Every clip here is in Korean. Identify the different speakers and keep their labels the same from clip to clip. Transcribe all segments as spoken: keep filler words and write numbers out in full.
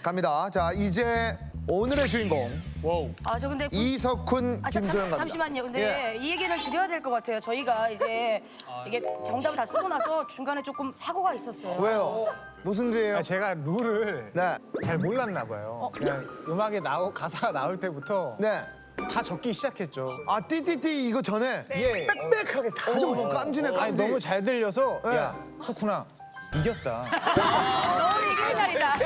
Speaker 1: 갑니다. 자, 이제 오늘의 주인공
Speaker 2: 아, 저 근데 구-
Speaker 1: 이석훈,
Speaker 2: 아, 자,
Speaker 1: 김소영
Speaker 2: 잠,
Speaker 1: 갑니다.
Speaker 2: 잠시만요. 근데 이 얘기는 드려야 될 것 같아요. 저희가 이제 이게 정답을 다 쓰고 나서 중간에 조금 사고가 있었어요.
Speaker 1: 왜요? 무슨 일이에요?
Speaker 3: 아, 제가 룰을
Speaker 1: 네,
Speaker 3: 잘 몰랐나 봐요. 그냥 음악에 나오 가사가 나올 때부터
Speaker 1: 네.
Speaker 3: 다 적기 시작했죠.
Speaker 1: 아, 띠띠띠 이거 전에
Speaker 3: 예. 빽빽하게 다
Speaker 1: 어, 무슨 깐지네,
Speaker 3: 아니
Speaker 1: 깐지.
Speaker 3: 너무 잘 들려서
Speaker 1: 네.
Speaker 3: 야 석훈아 이겼다.
Speaker 2: 너무 이기는 날이다.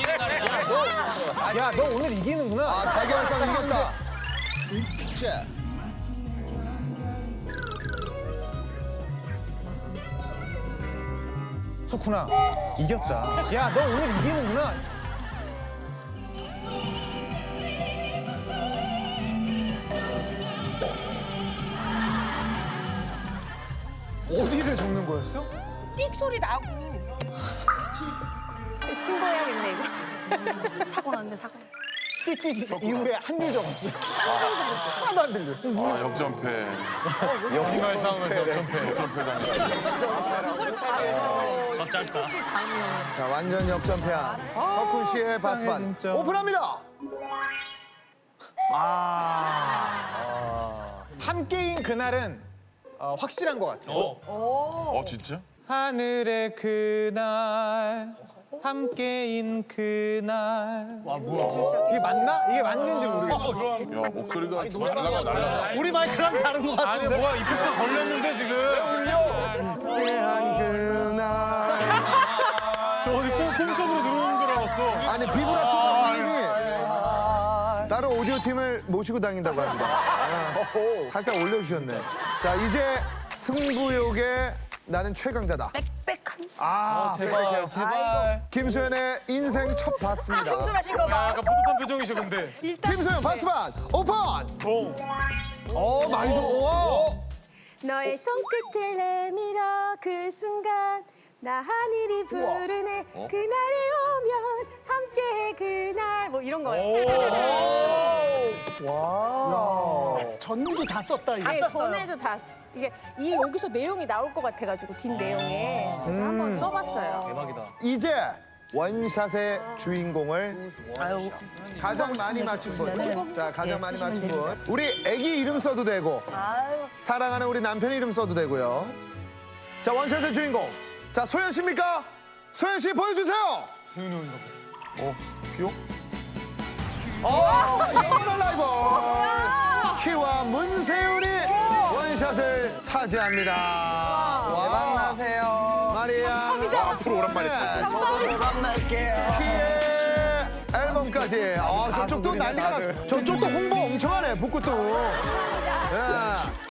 Speaker 3: 야 너 오늘 이기는구나.
Speaker 1: 아, 자기 한 싸움 이겼다. 자,
Speaker 3: 석훈아 이겼다. 야 너 오늘 이기는구나. 어디를 적는 거였어?
Speaker 4: 띡 소리 나고 신고해야겠네 이거.
Speaker 2: 사고 났네, 사고.
Speaker 3: 띠띠 이후에 한 줄 적었어요. 하나도 안 들려.
Speaker 5: 아, 역전패.
Speaker 6: 정말 싸움에서 역전패.
Speaker 5: 역전패 당했어.
Speaker 1: 자, 완전 역전패한 석훈 씨의
Speaker 3: 속상해,
Speaker 1: 바스반
Speaker 3: 진짜.
Speaker 1: 오픈합니다. 아,
Speaker 3: 함께인 그날은 어, 확실한 것 같아요.
Speaker 5: 어, 진짜?
Speaker 3: 하늘의 그날 함께인 그날
Speaker 6: 와 뭐야?
Speaker 3: 이게 맞나? 이게 맞는지 모르겠어.
Speaker 5: 야, 목소리가 날라가, 날라가.
Speaker 6: 우리 마이크랑 다른 거 같은데? 아니 뭐야 이펙터 걸렸는데 지금?
Speaker 1: 함께한 그날.
Speaker 6: 저 어디 꿈, 꿈속으로 들어오는 줄 알았어.
Speaker 1: 아니, 비브라토가 울림이 다른 오디오 팀을 모시고 다닌다고 합니다. 아, 살짝 올려주셨네. 자, 이제 승부욕에 나는 최강자다.
Speaker 2: 빽빽한.
Speaker 1: 아, 제발,
Speaker 6: 제발.
Speaker 1: 김소연의 인생 첫
Speaker 2: 아,
Speaker 1: 바스입니다.
Speaker 2: 흥분하신 거
Speaker 6: 야,
Speaker 2: 봐.
Speaker 6: 약간 뿌듯한 표정이셔 근데.
Speaker 1: 김소연 바스반 오픈!
Speaker 6: 오.
Speaker 1: 어, 많이 좀, 오!
Speaker 4: 너의 손끝을 내밀어 그 순간 나 하늘이 부르네 그날이 오면 함께해 그날 뭐 이런 거예요.
Speaker 7: 전도 다 썼다 이거.
Speaker 2: 다
Speaker 4: 네,
Speaker 2: 썼어요.
Speaker 4: 전에도 다 이게 이 여기서 내용이 나올 것 같아가지고 뒷 내용에 그래서 한번 써봤어요.
Speaker 1: 이제 원샷의 주인공을
Speaker 2: 아유,
Speaker 1: 가장 많이 맞힌 분. 자, 가장
Speaker 2: 네,
Speaker 1: 많이
Speaker 2: 쓰시면
Speaker 1: 맞힌
Speaker 2: 됩니다.
Speaker 1: 분. 우리 애기 이름 써도 되고,
Speaker 2: 아유.
Speaker 1: 사랑하는 우리 남편 이름 써도 되고요. 자, 원샷의 주인공. 자, 소연 씨입니까? 소연 씨 보여주세요.
Speaker 6: 세윤이 형인가 봐.
Speaker 1: 어, 비오? 어, 영원한 라이벌. 키와 문세윤이 원샷을 차지합니다. 대박 나세요. 마리아.
Speaker 5: 와, 앞으로 오랜만에 참.
Speaker 1: 저도 대박 날게요. 키의 앨범까지. 아, 저쪽도 난리가 나. 저쪽도 홍보 엄청 하네, 북구도. 예.